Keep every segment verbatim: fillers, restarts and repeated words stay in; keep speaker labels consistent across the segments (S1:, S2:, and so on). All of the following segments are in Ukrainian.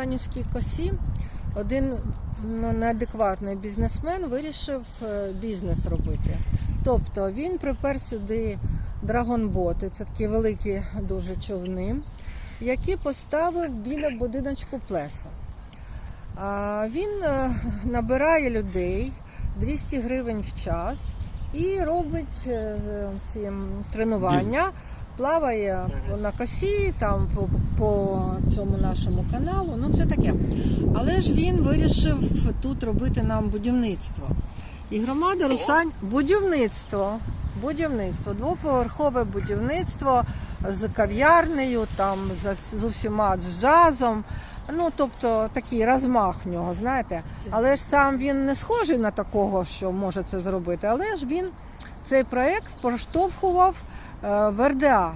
S1: Русанівській косі один ну, неадекватний бізнесмен вирішив бізнес робити. Тобто він припер сюди драгонботи, це такі великі дуже човни, які поставив біля будиночку Плесо. А він набирає людей двісті гривень в час і робить ці тренування, плаває на косі, там по, по цьому нашому каналу, ну це таке. Але ж він вирішив тут робити нам будівництво. І громада Русань, будівництво, будівництво, двоповерхове будівництво з кав'ярнею, там з усіма, з джазом. Ну, тобто, такий розмах в нього, знаєте. Але ж сам він не схожий на такого, що може це зробити. Але ж він цей проєкт проштовхував е, в ер де а,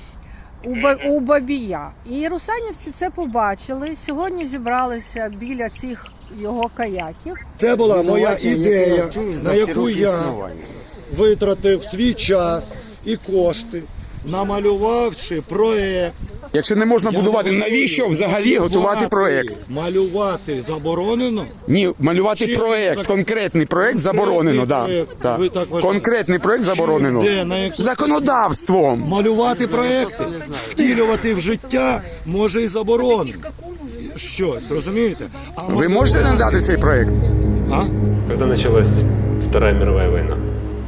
S1: у, у Бабія. І русанівці це побачили. Сьогодні зібралися біля цих його каяків.
S2: Це була моя ідея, на яку я витратив свій час і кошти, намалювавши проєкт.
S3: Якщо не можна будувати, навіщо взагалі готувати проєкт?
S2: Малювати заборонено?
S3: Ні, малювати
S2: Чи-
S3: проєкт, конкретний проєкт заборонено, да.
S2: проєкт,
S3: Да.
S2: ви так вважаєте?
S3: Конкретний проєкт заборонено.
S2: Де, на якому-
S3: Законодавством.
S2: Малювати проєкти, втілювати в життя може і заборонено. Щось, розумієте? А
S3: Ви можете надати цей проєкт?
S2: А?
S4: Когда началась Вторая мировая война?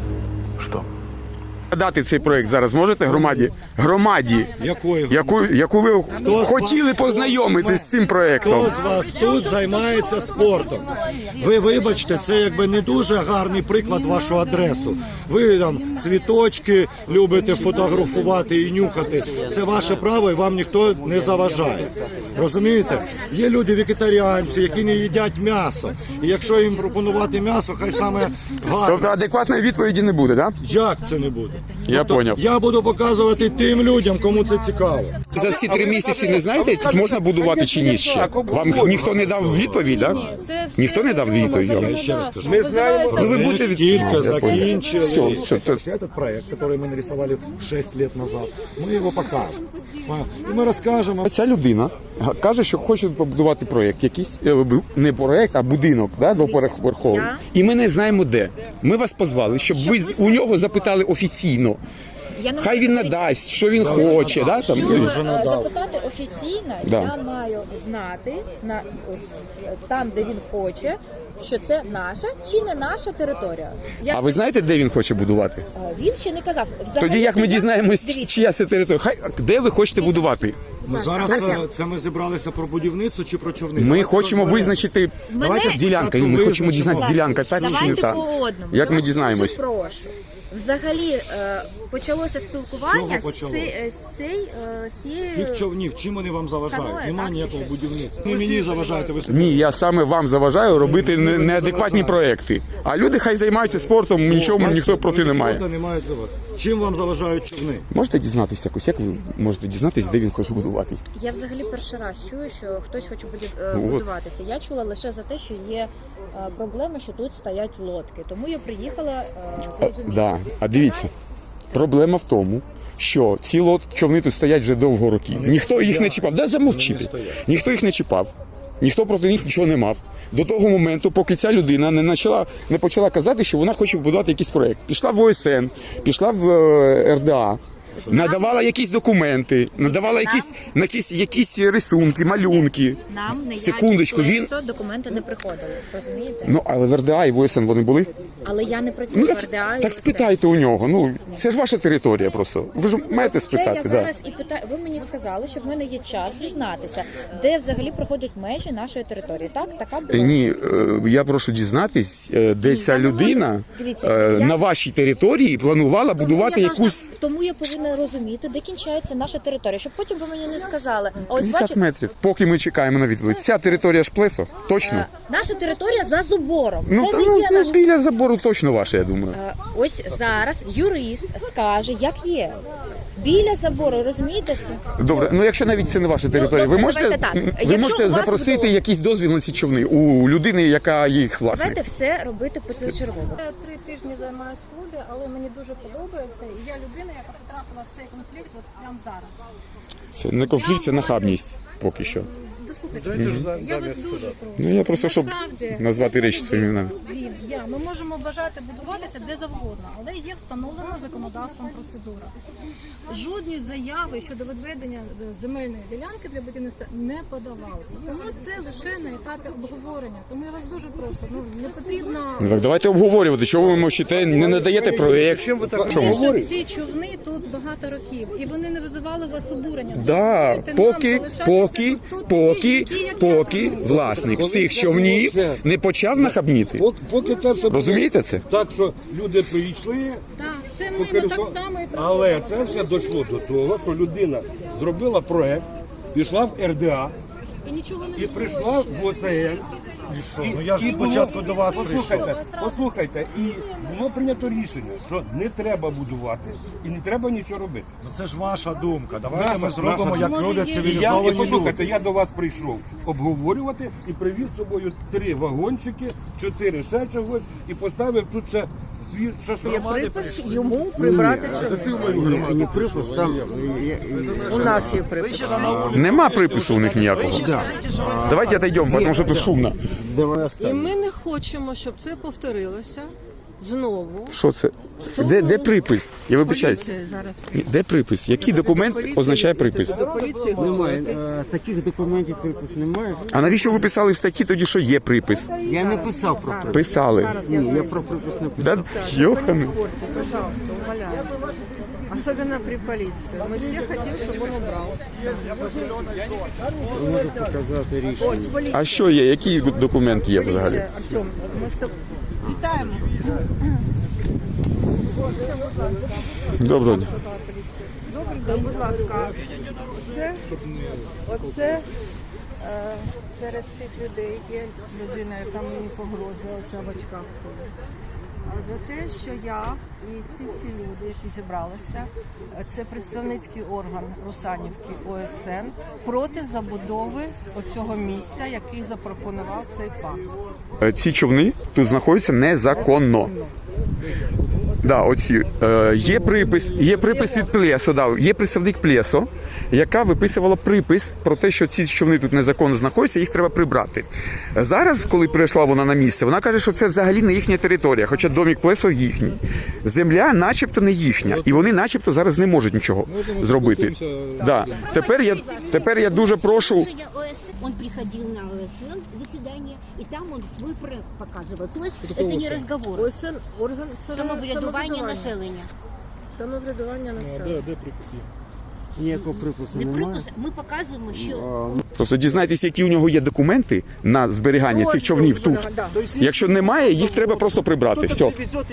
S3: Що? Надати цей проєкт зараз можете громаді? Громаді,
S2: Якої?
S3: яку, яку ви
S2: Хто з
S3: хотіли
S2: вас-
S3: познайомитись з цим проєктом.
S2: Хто з вас тут займається спортом? Ви вибачте, це якби не дуже гарний приклад вашу адресу. Ви там цвіточки любите фотографувати і нюхати. Це ваше право і вам ніхто не заважає. Розумієте? Є люди вегетаріанці, які не їдять м'ясо. І якщо їм пропонувати м'ясо, хай саме гарне.
S3: Тобто адекватної відповіді не буде, так?
S2: Як це не буде?
S3: Я поняв.
S2: Я буду показувати тим людям, кому це цікаво.
S3: За ці три місяці не знаєте, тут можна будувати чи ні ще? Вам ніхто не дав відповідь, так? Ніхто не дав відповідь вам?
S2: Ще раз скажу.
S4: Мы знаем,
S3: Ну ви
S2: Ми
S3: будете від...
S2: тільки
S3: Я понял.
S2: закінчили.
S3: Все, все, то-
S2: Этот проект, который мы нарисовали шесть лет назад, мы его покажем. І ми розкажемо.
S3: Ця людина каже, що хоче побудувати проєкт якийсь, е, бу- не проєкт, а будинок, да, двоповерховий. І ми не знаємо де. Ми вас позвали, щоб ви з- у нього запитали офіційно.
S5: Я не
S3: Хай він
S5: можу
S3: надасть, що він хоче. Да, там.
S5: Щоб е, запитати офіційно,
S3: Да.
S5: я маю знати на ось, там, де він хоче, що це наша чи не наша територія. Я,
S3: А ви знаєте, де він хоче будувати?
S5: е, Він ще не казав. Взагалі,
S3: Тоді як ми
S5: я-
S3: дізнаємось,
S5: Дивіться,
S3: чия це територія? Хай де ви хочете будувати?
S2: Ми зараз е, це ми зібралися про будівництво чи про човни?
S3: Ми
S2: Давайте
S3: хочемо
S2: розберемо.
S3: визначити
S5: Мене-
S3: ділянка. Ми
S2: Визначимо.
S3: хочемо дізнатися, ділянка так чи не
S5: Давайте
S3: так.
S5: по одному.
S3: Як
S5: Я
S3: ми
S5: вас
S3: дізнаємось?
S5: дуже прошу. Взагалі е, почалося спілкування
S2: З чого почалося?
S5: з, цей- е, з цей, е, з цією...
S2: Цих човнів, чим вони вам заважають?
S5: Каное,
S2: Нема
S5: так,
S2: ніякого
S5: чи-
S2: будівництва. Не мені заважаєте ви собі.
S3: Ні, я саме вам заважаю робити не- неадекватні проекти. А люди хай займаються спортом, нічого
S2: Бачите,
S3: ніхто проти не має.
S2: спорту немає цього. Чим вам заважають човни?
S3: Можете дізнатися якось? Як ви можете дізнатися, де він хоче будуватись?
S5: Я взагалі перший раз чую, що хтось хоче буді- е,
S3: Ну, от.
S5: будуватися. Я чула лише за те, що є е, проблема, що тут стоять лодки. Тому я приїхала е, зрозуміти.
S3: Да. А дивіться, проблема в тому, що ці лот човни тут стоять вже довго років. Ніхто їх не чіпав. Да замовчити. Ніхто їх не чіпав. Ніхто проти них нічого не мав. До того моменту, поки ця людина не почала, не почала казати, що вона хоче будувати якийсь проєкт. Пішла в о ес ен, пішла в е, ер де а, надавала якісь документи, надавала якісь, якісь, якісь рисунки, малюнки.
S5: Нам не
S3: Секундочку, він...
S5: документи не приходили, розумієте?
S3: Ну, але в ер де а і в о ес ен вони були.
S5: Але я не працюю
S3: Ну,
S5: в ер де а.
S3: так,
S5: і
S3: так
S5: ось
S3: спитайте у нього. Ну, це ж ваша територія просто. Ви ж маєте
S5: Ось
S3: спитати.
S5: Це я
S3: Да.
S5: зараз і питаю. Ви мені сказали, що в мене є час дізнатися, де взагалі проходять межі нашої території. Так, така була.
S3: Е, Ні, е, я прошу дізнатись, е, де
S5: Ні,
S3: ця
S5: я не можу.
S3: людина
S5: Дивіться,
S3: е,
S5: я-
S3: на вашій території планувала будувати
S5: я
S3: якусь
S5: должна- тому я повинна розуміти, де кінчається наша територія, щоб потім ви мені не сказали. А ось
S3: п'ятдесят
S5: бачите,
S3: метрів. Поки ми чекаємо на відповідь. Ця територія ж Плесо? Точно?
S5: наша територія за забором.
S3: Ну,
S5: Це
S3: та,
S5: не
S3: ну,
S5: є
S3: ну,
S5: наша.
S3: біля забору точно ваша, я думаю.
S5: Е, Ось зараз юрист скаже, як є. Біля забору, розумієте це?
S3: Добре, ну якщо навіть це не ваша територія, ви
S5: добре,
S3: можете,
S5: давайте так.
S3: ви
S5: Якщо
S3: можете
S5: у вас
S3: запросити
S5: вдома-
S3: якийсь дозвіл на ці човни у людини, яка їх власник?
S5: Давайте все робити позачергово.
S6: Я три тижні займаюся в клубі, але мені дуже подобається. І я людина, яка потрапила в цей конфлікт от прямо зараз.
S3: Це не конфлікт, це нахабність поки що.
S6: дослухайте. Я вас дуже прошу.
S3: Ну я просто щоб
S6: Насправді,
S3: назвати речі своїми іменами.
S6: Він, я, ми можемо бажати будуватися де завгодно, але є встановлена законодавством процедура. Жодні заяви щодо відведення земельної ділянки для будівництва не подавалися. Тому це лише на етапі обговорення. Тому я вас дуже прошу, ну не потрібно.
S3: Ну так давайте обговорювати, чого ви мовчите, не надаєте проєкт. Чому?
S6: Що ці човни тут багато років, і вони не визивали у вас обурення.
S3: Да,
S6: Дозвольте нам
S3: поки,
S6: залишатися
S3: поки,
S6: тут, тут,
S3: поки,
S6: такі, як я
S3: поки
S6: там.
S3: власник всіх човнів не почав нахабніти.
S7: Пок- Поки це все
S3: Розумієте це?
S7: так, що люди прийшли,
S6: Так, це ми, ми
S7: покористували-
S6: так само і
S7: але це все дійшло до того, що людина зробила проект, пішла в ер де а
S6: і нічого не
S7: і прийшла в о се ен. І,
S2: Ну, я ж
S7: і було-
S2: спочатку до вас
S7: послухайте, послухайте, і було прийнято рішення, що не треба будувати і не треба нічого робити.
S2: Ну це ж ваша думка. Давайте
S7: Наша-
S2: ми зробимо,
S7: наша
S2: як
S6: думка.
S2: люди
S6: Може, є-
S7: І я, і
S2: цивілізовані
S7: послухайте,
S2: люди.
S7: я до вас прийшов обговорювати і привіз з собою три вагончики, чотири ще чогось, і поставив тут ще свій шашлик.
S1: Припис йому прибрати човни.
S8: Не припис, там
S1: У нас є припис.
S3: Нема припису у них ніякого. Давайте отойдемо, тому що тут шумно.
S1: І ми не хочемо, щоб це повторилося знову.
S3: Що це? Де, де припис? Я вибачаюсь.
S1: Поліція зараз
S3: Де припис? Який документ означає припис?
S1: до поліції
S8: немає.
S1: говорити.
S8: Е, Таких документів припис немає.
S3: А навіщо ви писали в статті тоді, що є припис?
S8: Я не писав про припис.
S3: Писали.
S8: Ні, я про припис не писав.
S3: Да, йоханий.
S1: Спорте, пожалуйста, умоляю. Особенно при полиции. Мы все хотим, чтобы он убрал.
S8: Можу показати рішення.
S1: Ось поліція.
S3: А що є? Який документ є взагалі?
S1: Артем, ми з тобою вітаємо.
S3: Доброго дня.
S1: Добрий день, будь ласка. Оце, оце е, серед цих людей є людина, яка мені погрожує, оця в очках сидить. А за те, що я і ці всі люди, які зібралися, е, це представницький орган Русанівки о ес ен проти забудови оцього місця, який запропонував цей пан.
S3: Е, Ці човни тут знаходяться незаконно. Да, оці. Е, є припис, є припис від Плесо, да, є представник Плесо, яка виписувала припис про те, що ці човни тут незаконно знаходяться, їх треба прибрати. Зараз, коли прийшла вона на місце, вона каже, що це взагалі не їхня територія, хоча домік Плесо їхній. Земля начебто не їхня, і вони начебто зараз не можуть нічого зробити. Да. Тепер, я, тепер я дуже прошу.
S9: Он приходил на о эс эн заседание, и там он свой проект показывал. То есть это не разговор.
S1: о ес ен орган
S9: Самоврядування населення.
S1: Самоврядування населення.
S8: Ніякого припису
S9: Не
S8: немає.
S9: припис, ми показуємо, що
S3: Просто дізнайтесь, які у нього є документи на зберігання цих човнів тут. Якщо немає, їх треба просто прибрати. Все.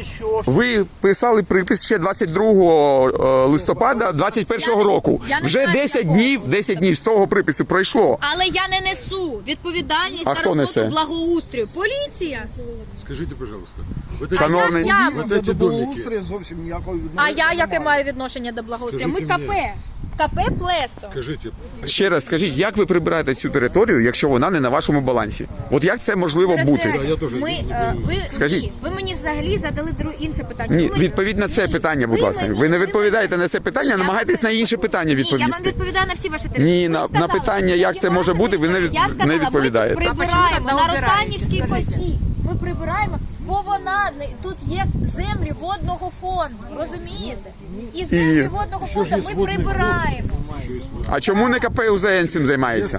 S3: Ви писали припис ще двадцять другого листопада двадцять першого року.
S5: Я не
S3: Вже
S5: знаю
S3: десять
S5: такого.
S3: днів, десять днів з того припису пройшло.
S5: Але я не несу відповідальність
S3: А
S5: за
S3: хто
S5: роботу
S3: несе?
S5: благоустрою. Поліція.
S7: Скажіть, пожалуйста,
S3: Шановний,
S5: Я,
S7: ці домики,
S8: зовсім ніякого
S5: а я яке маю відношення до благоустрою? Ми КП. КП Плесо.
S7: скажіть,
S3: ще раз скажіть, як ви прибираєте цю територію, якщо вона не на вашому балансі? От як це можливо бути?
S5: Ми, е, ви,
S3: Скажіть.
S5: ні, ви мені взагалі задали друге інше питання.
S3: Ні,
S5: Ви-
S3: відповідь на це
S5: Ні,
S3: питання, будь
S5: ви
S3: ласка.
S5: мені-
S3: Ви не
S5: ви
S3: відповідаєте
S5: мені-
S3: на це питання,
S5: Ні, я
S3: намагайтесь
S5: вам-
S3: на інше питання
S5: Ні, я вам
S3: відповісти.
S5: відповідаю на всі ваші території.
S3: Ні,
S5: Ви
S3: на- на
S5: сказали,
S3: питання, як це може бути, ви не від-
S5: Я сказала,
S3: не відповідаєте.
S5: Ми прибираємо на Росанівській косі. Ми прибираємо, бо вона не- тут є землі водного фонду. Розумієте? І землі водного фонду ми прибираємо.
S3: А чому не КП УЗН цим займається?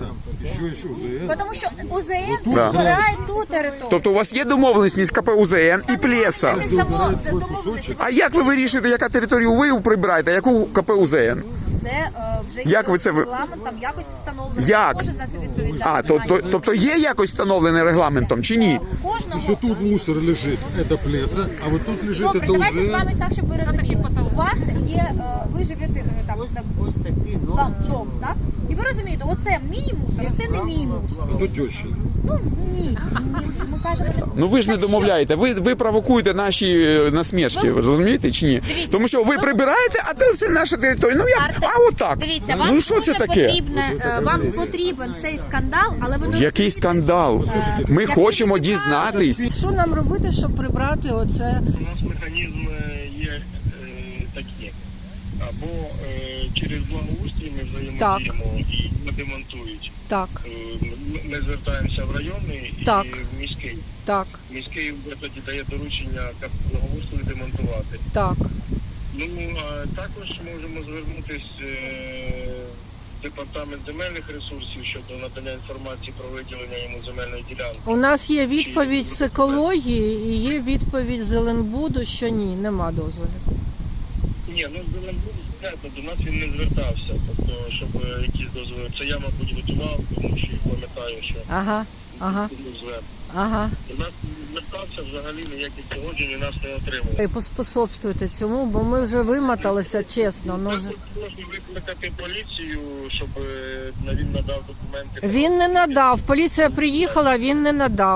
S5: Тому що УЗН
S3: Да.
S5: прибирає ту територію.
S3: Тобто у вас є домовленість між КП УЗН і Плеса?
S5: Це домовленості.
S3: А як ви вирішуєте, яка територію ви прибираєте, а яку КП УЗН?
S5: Це е, вже
S3: Як ви це ви-
S5: регламентом якось встановлено.
S3: Як?
S5: Кожен за це відповідає.
S3: А, то, то, тобто є якось встановлене регламентом чи ні?
S5: Кожного.
S7: тут мусор лежить, це плеса, а вот тут лежить,
S5: Добре, давайте з вами так, щоб ви розуміли. У вас є, е, ви живете е, там, там,
S8: Ось такі
S5: там дом, так? І ви розумієте, оце мій мусор, оце не мій мусор.
S7: Тут теща.
S5: Ну, ні, ні, ми кажемо...
S3: Ну ви ж не домовляєте, ви, ви провокуєте наші е, насмішки, ви розумієте чи ні?
S5: Дивіться,
S3: Тому що ви
S5: ви-
S3: прибираєте, а це все наша територія. Ну як?
S5: Арте-
S3: А отак.
S5: Дивіться, вам
S3: Ну що
S5: дуже
S3: це таке?
S5: потрібне, е, вам потрібен цей скандал, але ви не
S3: Який
S5: розумієте,
S3: скандал? Ми
S5: як
S3: хочемо
S5: ви цікаві.
S3: дізнатись.
S1: Що нам робити, щоб прибрати оце?
S10: У нас механізм е, є е, такий. або е, через благоустрій ми взаємодіємо і не демонтують.
S1: Так,
S10: Е, ми- Ми звертаємося в районний і
S1: Так.
S10: в міський.
S1: так,
S10: Міський вже тоді дає доручення кап- благоустрою демонтувати.
S1: так.
S10: Ну, а також можемо звернутися в департамент земельних ресурсів щодо надання інформації про виділення йому земельної ділянки.
S1: У нас є відповідь з екології і є відповідь з Зеленбуду, що ні, нема дозволів.
S10: Ні, ну Зеленбуд, звісно, до нас він не звертався, тобто, щоб е, якісь дозволи. Це я, мабуть, готував, тому що пам'ятаю, що
S1: Ага, ага,
S10: не звертав.
S1: ага.
S10: До нас не звертався, взагалі ніяких погоджень у нас не отримував.
S1: І поспособствуйте цьому, бо ми вже вимоталися, чесно. Ну, вже-
S10: Можна викликати поліцію, щоб е, він надав документи.
S1: Він не надав. Поліція приїхала, він не надав.